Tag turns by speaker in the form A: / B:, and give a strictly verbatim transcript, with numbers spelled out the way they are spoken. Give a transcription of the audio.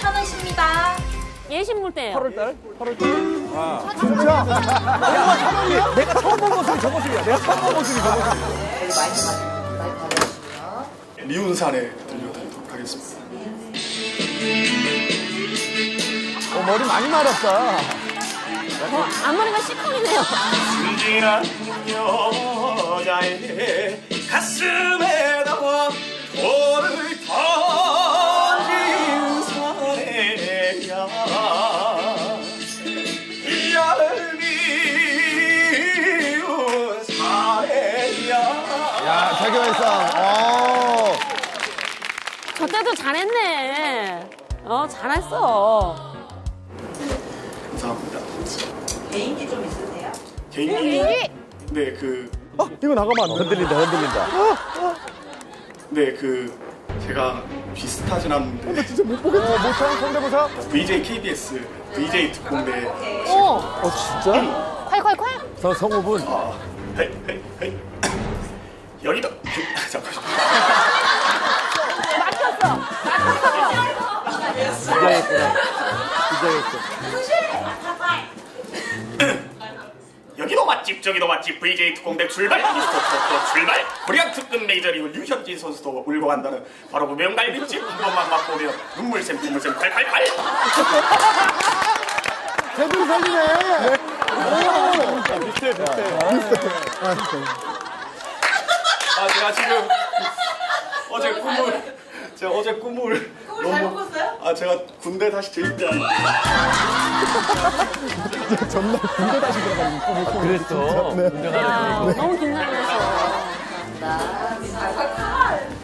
A: 천 원씩입니다.
B: 예신물 때예요.
C: 팔월달? 팔월달? 아, 진짜? 야, 천 원이야? 내가 처음 본 모습이 저 모습이야. 내가 처음 본 모습이 저 모습이야.
A: 여기 많이 가지고 많이 가져가시고요.
D: 미운산에 들려드리도록 하겠습니다.
C: 어, 머리 많이 말았다.
B: 어, 앞머리가 시커이네요.
D: 순진한 여자의 가슴에다가 돌을 던진 사내야 야를 미운 사내야.
C: 야, 자기와의 싸움. 어.
B: 저 때도 잘했네. 어, 잘했어.
D: 감사합니다.
A: 개인기 좀 있으세요?
D: 개인기? 네, 그,
C: 어, 이거 나가면 안 돼. 흔들린다, 흔들린다.
D: 네, 그, 제가 비슷하진 않은데
C: 진짜 못 보겠다. 어, 모창 성대모사?
D: 브이제이 케이비에스, 브이제이 특공대.
B: 어,
C: 어, 진짜?
B: 콸콸콸.
C: 저 성우분.
D: 아, 헤이, 헤이, 헤이. 여기다. 잠깐만.
B: 막혔어.
C: 기자였구나. 기자였어.
D: 여기도 맛집, 저기도 맛집, 브이제이 특공대 출발, 미스터 트롯도 출발, 코리안 특급 메이저리그 류현진 선수도 울고 간다는 바로 그 명갈비집 한 번만 맛보면 눈물샘, 눈물샘, 팔팔팔.
C: 제대로 살리네.
D: 비슷해, 비슷해. 아, 제가 지금 어제 꿈을, 제가 어제 꿈을
A: 꿈을 잘 꿨어요?
D: 아, 제가 군대 다시 재입대.
C: 전날 군대 다시 들어가는 꿈을. 아, 그랬어.
B: 아, 너무 긴장돼서.
A: 감사합니다.